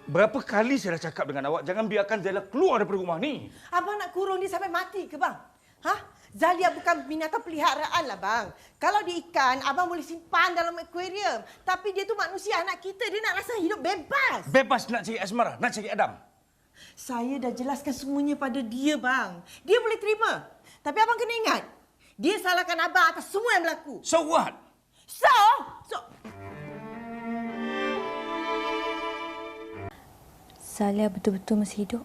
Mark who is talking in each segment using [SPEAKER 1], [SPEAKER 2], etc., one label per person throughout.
[SPEAKER 1] Berapa kali saya dah cakap dengan awak, jangan biarkan Zalia keluar daripada rumah ni.
[SPEAKER 2] Abang nak kurung dia sampai mati ke bang? Zalia bukan binatang peliharaan lah bang. Kalau dia ikan, abang boleh simpan dalam akuarium. Tapi dia tu manusia, anak kita. Dia nak rasa hidup bebas.
[SPEAKER 1] Bebas nak cari Asmara, nak cari Adam.
[SPEAKER 2] Saya dah jelaskan semuanya pada dia bang. Dia boleh terima. Tapi abang kena ingat, dia salahkan abang atas semua yang berlaku.
[SPEAKER 1] So what?
[SPEAKER 2] So...
[SPEAKER 3] Zalia betul-betul masih hidup?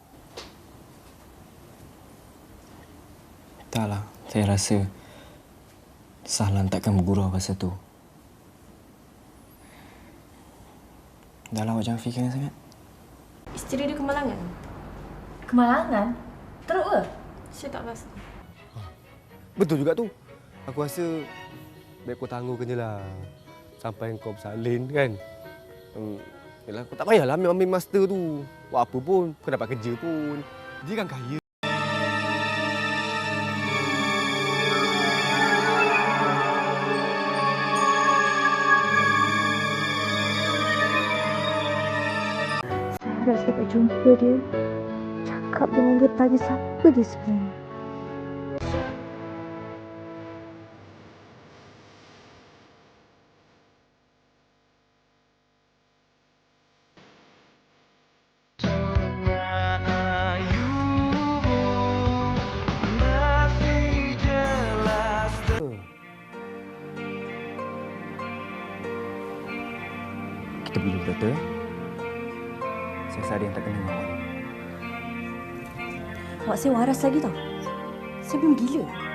[SPEAKER 4] Taklah, saya rasa Sahlan takkan bergurau pasal tu. Dah lah, awak jangan fikirkan sangat.
[SPEAKER 5] Isteri dia kemalangan.
[SPEAKER 3] Kemalangan? Teruk ke?
[SPEAKER 5] Saya tak rasa.
[SPEAKER 6] Betul juga tu. Aku rasa baik kau tangguhkan je lah. Sampai kau bersalin kan. Yalah, kau tak payahlah ambil master tu. Buat apa pun, kau dapat kerja pun. Dia kan kaya.
[SPEAKER 3] Saya rasa dapat jumpa dia. Cakap dengan dia, tanya siapa dia sebenarnya.
[SPEAKER 4] Kita pergi jumpa doktor. Saya rasa ada yang tak kena dengan awak.
[SPEAKER 3] Awak saya waras lagi tau. Saya belum gila.